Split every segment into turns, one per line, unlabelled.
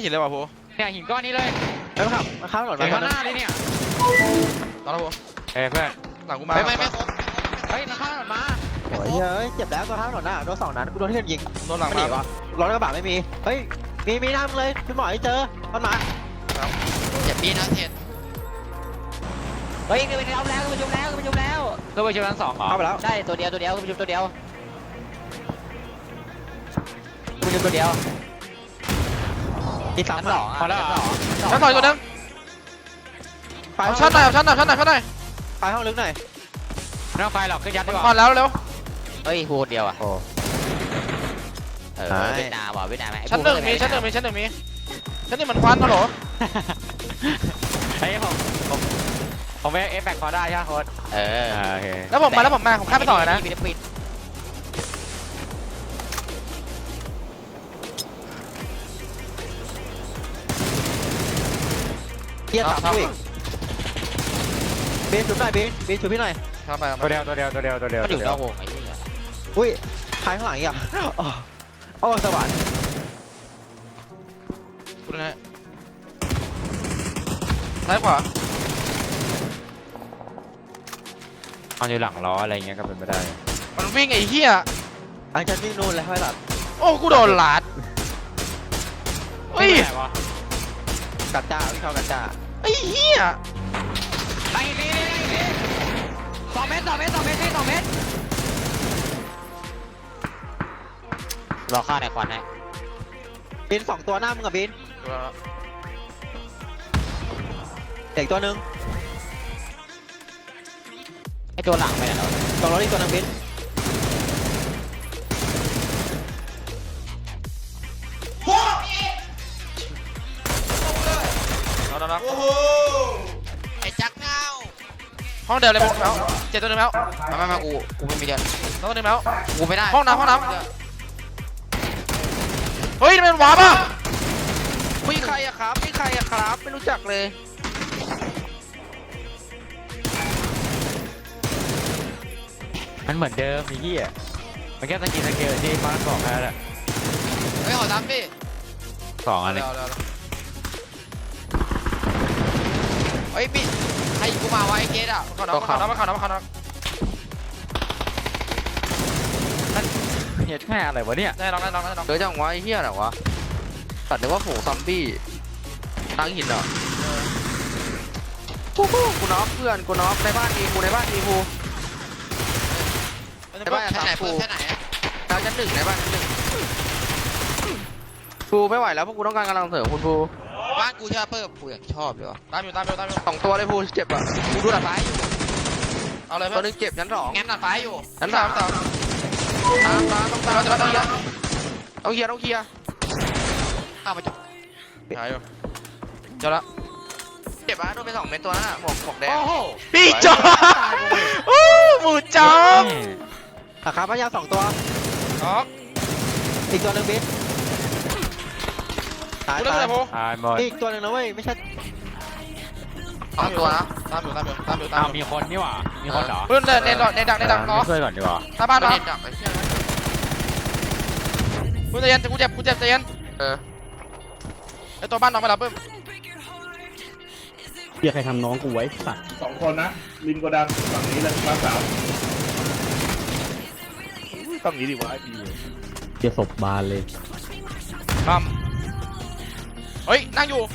หินเลยว่ะโพ
เนี่ยหินก้อนนี้เลย
แล้วขับมาข้ามถนนมา
ข้างหน้าเลยเนี่ย
ตอนแล้วโพ
เฮ้ยเพื่อน
หลังกูมา
ไม่
เฮ้ยมันข้ามถนนมา
โอ้ยเฮ้ยเจ็บแล้วตัวข้ามถนนน่ะโดน2 นัดกูโดนที่ยิง
โดนหลัง
ไม่หนีวะรถกระบะไม่มีเฮ้ยมีน้ำเลยพี่หมอให้เจอมันมา
อย่าปีนะเทน
เฮ้ยคือไปเอาแล้วคือไปชุบแล้วคือไปชุบแล้วคือไปชุบทั้ง2เหรอ
เข้าไปแล้ว
ใช่ตัวเดียวคือไปชุบตัวเดียวคือไปชุบตัวเดียว
อีก3
2พอแล้ว
ชั้นต่อยตัวนึงชั้นหน่อยชั้นหน่อย
ไปห้องลึกหน่อย
ไม่ต้องไฟหรอกขึ้นยัดดีกว่า
ผ่านแล้วเร็ว
เฮ้ยพูดเดียวอ่ะเวียดนามว่ะเวียดนาม
ชั้นหนึ่งมีชั้นหนึ่งมันควันฮัลโหล
เฮ้ยผมไปเอฟแบกพอได้ใช่ไหมโค้ดโอเค
แล้วผมข้ามไปต่อเลยนะ
เกียร์3ผู้อีกบีนชุบหน่อยบีนชุบพี่หน่อย
ครับไป
ตัวเดียวมันอยู่นอกวงไอ้เหี้ย
อุ้ยท้ายข้างหลังอีกอ่ะโอ้สวรรค์
กูนะซ้ายขวา
เอาอยู่หลังล้ออะไรเงี้ยก็เป็นไปได้
มันวิ่งไอ้เหี้ย
อันจะวิ่งนู่นเลยให้หลับ
โอ้กูโดนลัดเฮ้ย
กัดจ้าวิ่งเข้ากัดจ้า
ไอ้เหี้ย
ไปนี่2 เมตรรอฆ่าในควันให้
บิน2 ตัวหน้ามึงกับบินเด็กตัวนึง
ไอตัวหลังไปไหนแล้ว
ตรงรถอีกตัวนึงบิน
เราโอ้โห
ไอ้จักเงา
ห้องเดิมเลยแล้วเจ็ดตัวนึงแล้ว
มากูไม่มีเดียว
ตัวนึงแล้ว
กูไม่ได้
ห้องน้ำเฮ้ยมันวาร์ปอ่ะมีใครอะครับไม่รู้จักเลย
มันเหมือนเดิมไอ้เหี้ยมันแค่สกินที่มาร์คบอกแค่นั้นแหละ
เฮ้ยขอทำดิ
2 อันเลย
เฮ้ยพี่ให้กูมาไว้เกตอ่ะ
มาข่าวน้ำ
เหี้ยแค่อะไรวะเนี่ย
ได้ลอง
เดี๋ยวจังวะไอ้เหี้ยอะไรวะตัดนึกว่าฝูงซอมบี้ตั้งหินเหรอกูน็อกเพื่อนกูน็อกในบ้านอีกูในบ้านชั้นไหนดาวชั้น 1ในบ้านชั้น 1กูไม่ไหวแล้วพวกกูต้องการกำลังเสริมคุณภูบ้านกูชอบเพิ่มกูอยากชอบเลยวะ
ตามอยู่
2 ตัวเลยภูเจ็บอ่ะกูดูดัดไฟอยู่
เอาเลย
ตัวนึงเจ็บชั้น 2
งั้นดัดไฟอยู่
ชั้น 3ต้องเคลียร์ข้ามาจบ
หายอยู่เจอละ
เจ็บอ่ะโดนไป2 เม็ดตัวนั้นอ่ะหมวกแดง
พี่จอมหมูจอม
ครับพยา2 ตัวอีกตัวนึงบิน
ตาย
อีกตัวนึงนะเว้ยไม่ใช่
2 ตัวนะ
ตามอยู่
มีคนนี่หว่ามีคนเหรอ
เพื่อนในดักเนาะ
ช่วยก่อนดีกว่า
หน้าบ้านเนาะกูจะเย็นกูเจ็บใจเย็นไอตัวบ้านน้องไปแล้วเพิ่ม
เดี๋ยวใครทำน้องกูไว้สัตว์
2 คนนะริมโกดังฝั่งนี้เลยมา3ต้องนี้ดิวะดีเลย
เดี๋ยวศพบานเลย
เฮ้ยนั่งอยู่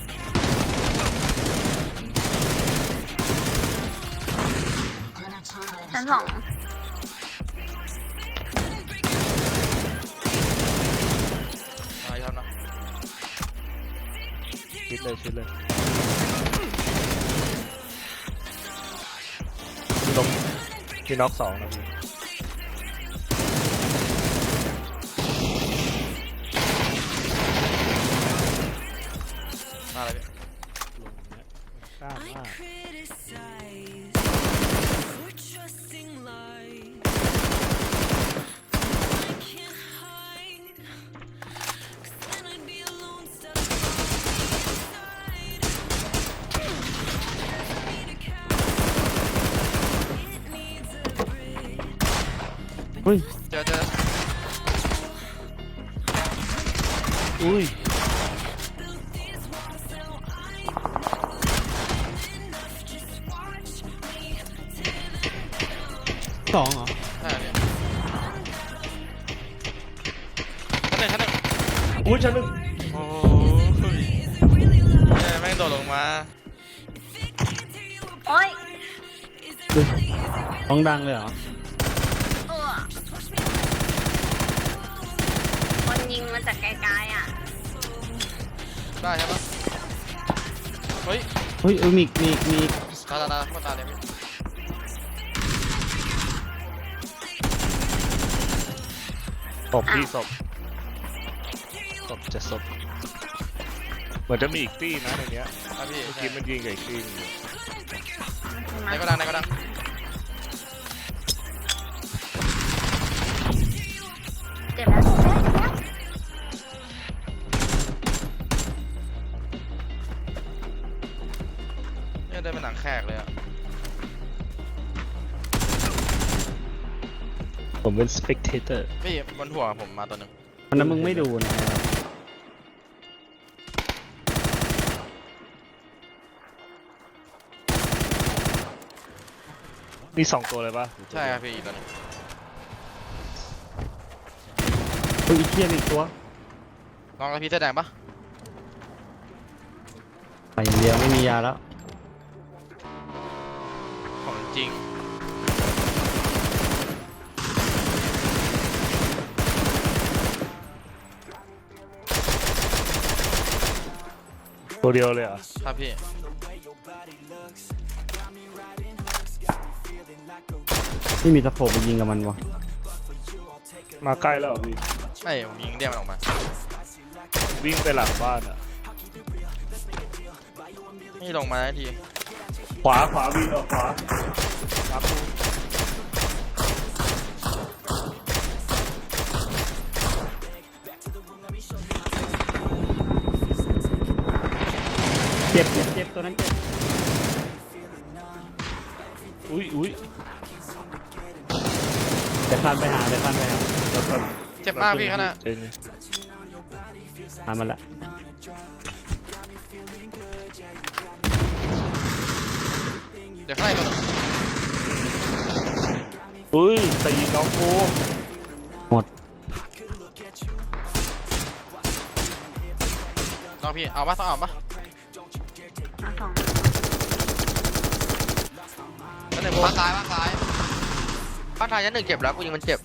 ชั้น 2
อะไรครับนะ
ชิดเลยพี่น็อก2นะพี่
อะไรพี่
กล้ามาก
เจอ
อุ้ย
สองเหรอ
ใช่พี่ชั้นหนึ่ง
อุ้ยชั้นหนึ่ง
โอ้ยแม่งโดดลงมา
โอ้ย
ห้องดังเลยเหรอ
เออคนยิงมาจากไกลๆอ่ะ
ได้ใช่ปะเฮ้ย
เฮ้ยมี
ตาเข้าตาเลยพี่
ศพพี่ศพจะศพเหมือนจะมีอีกตี้นะในเนี้ย
ครับพี่
เมื่อกี้มันยิงกับอีกตี้หนึ่งอยู่
ไหนก็ดังไหนก็ดัง
เจ็บแล้ว
เนี่ยเดินเป็นหนังแขกเลยอะ
ผมเป็น spectator
พี่บนหัวผมมาตัวหนึ่ง
วันนั้นมึงไม่ดูนะ
มีสองตัวเลยปะ
ใช่ครับพี่อีกตัวหนึง
เฮ้ยอีเทียนอีกตัว
ลองกับพี่เสื้อแดงปะ
ไปอย่างเดียวไม่มียาแล้ว
ของจริง
ตัวเดียวเลยเหรอ่ะ
ครับพี่
ไม่มีตะโขบไปยิงกับมันวะ
มาใกล้แล้วเหรอพี่
ไม่ผมยิงเรียกมันออกมา
วิ่งไปหลังบ้านอ่ะ
ไม่ลงมาได้ที
ขวาวิ่งออกขวาครับ
เจ็บตัวนั้นเจ็บ
อุ้ย
เดี๋ยวคลานไปหา
แล้วก็
เจ็บมากพี่ขนาด
เจ๋ง
หามันละ
เดี๋ยวข้างในตัวหนึง
อุ้ยแต่ยิงน้องกู
หมด
ลองพี่เอาปะต้องเอาปะ
เอาสอง
แล้วหนึ่ง
บ้านซ้ายบ้านซ้ายบ้านซ้ายชั้นหนึ่งเจ็บแล้วกูยิงมันเจ็บ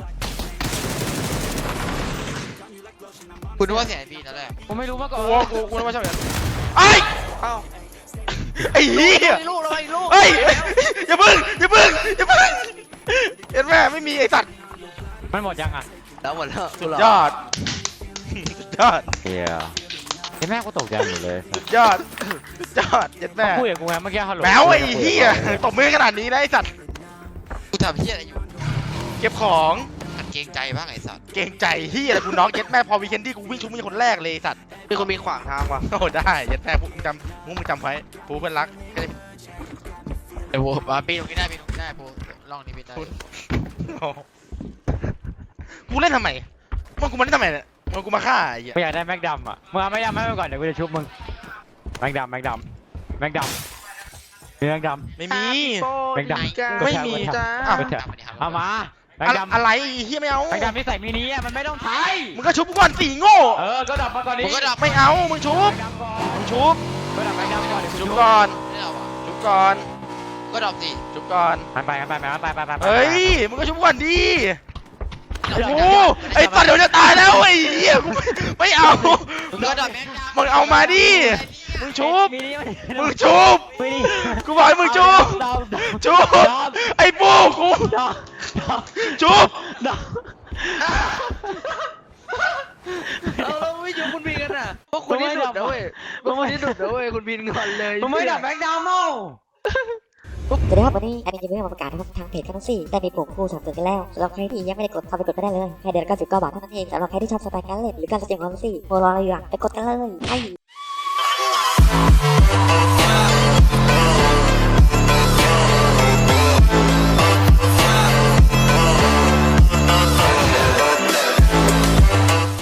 คุณนึกว่าเสียงไอพีนั่นแหละ
ผมไม่รู้มาก่อน
กูนึกว่าชอบอย่างนั้น
ไอ้เอ้า
ไอ้เหี้ย
ไอ้ลูกแล้วไอ้ลูก
เฮ้ยอย่าพึ่งเห็นแม่ไม่มีไอ้สัตว์
มันหมดยังอ่ะ
แล้วหมดแล้ว
สุดยอดสุดยอด
เฮียไอ้แม่ก็ตกใจหมดเลย
สุดยอดสุดยอดเห็นแม่
คุยกับกูไงเมื่อกี้ฮัลโหล
แมวไอ้เหี้ยตบมือขนาดนี้นะไอ้สัตว์
กูทำเฮียอะไรอยู่
เก็บของ
หัดเกรงใจบ้างไอ้สัตว์
เกรงใจเหี้ยอะไรกูน้องเย็ดแม่พอวีเคนดี้กูวิ่งชุบมึงคนแรกเลยไอ้สัตว์
มีคนมีขวางทางว่ะ
โอ้ได้เย็ดแม่พวกมึงจำไว้ปูเพื่อนรัก
ไอ้โว้ปีนตรงนี้ได้ปีนตรงนี้ได้ปูล่องนี้ปีนได้
โอ้กูเล่นทำไมมึงกูมาเล่นทำไมเนี่ยมึงกูมาฆ่าไอ้เหี้ย
ไม่อยากได้แม็กดำอ่ะมึงเอาแม็กดำให้มันก่อนเดี๋ยวกูจะชุบมึงแม็กดำมีแม็กดำ
ไม่มี
แม็กดำ
ไม่มี
จ้า
อ้าว
เอามาแม็กดำ
อะไรไอ้เหี้ยไม่เอา
แม็กดำที่ใส่มินิอ่ะมันไม่ต้องใช้
มึงก็ชุบกูก่อนสี่โง่
ก็ดับมาก่อนดิ
มึงก็ดับ
ไม่เอามึงชุบ
แม็กดำก่อน
มึงชุบ
ก็ดับแม็กดำก่อนเดี๋ยวกู
ชุ
ชุ
บบ ก่อน
ไม่เอาอ่ะ
ชุบก่อน
ก็ดรอปสิ
ชุบก่อน
ไป
เฮ้ยมึงก็ชุบก่อนดิโอ้โหไอ้สัตว์เดี๋ยวจะตายแล้วไอ้เหี้ยกูไม่เอา
มึงก็ดรอปแม่ง
มึงเอามาดิมึงชุบ
มินิ
มึงชุบ
มินิ
กูบอกให้มึงชุบชุบไอ้ปูกู ชุบ
เราไม่อยู่คุณบินกันอ่ะพวกคุณนี่ดุดนะเว้ยพวกคุณนี่ดุดนะเว้ยคุณบินก่อนเลย
มึงไม่ดับแม็กดำเอ้า
สวัสดีครับวันนี้แอดมินจะมีมาประกาศนะครับทางเพจคันซี่ได้มีปุ่มคู่สนับสนุนกันแล้วสำหรับใครที่ยังไม่ได้กดเข้าไปกดก็ได้เลยแค่เดือนละ99 บาทเท่านั้นเองสำหรับใครที่ชอบสไตล์การเล่นหรือการแสดงความรู้สึกโปรรออะไรอยู่อะไปกดกันเลยไอ้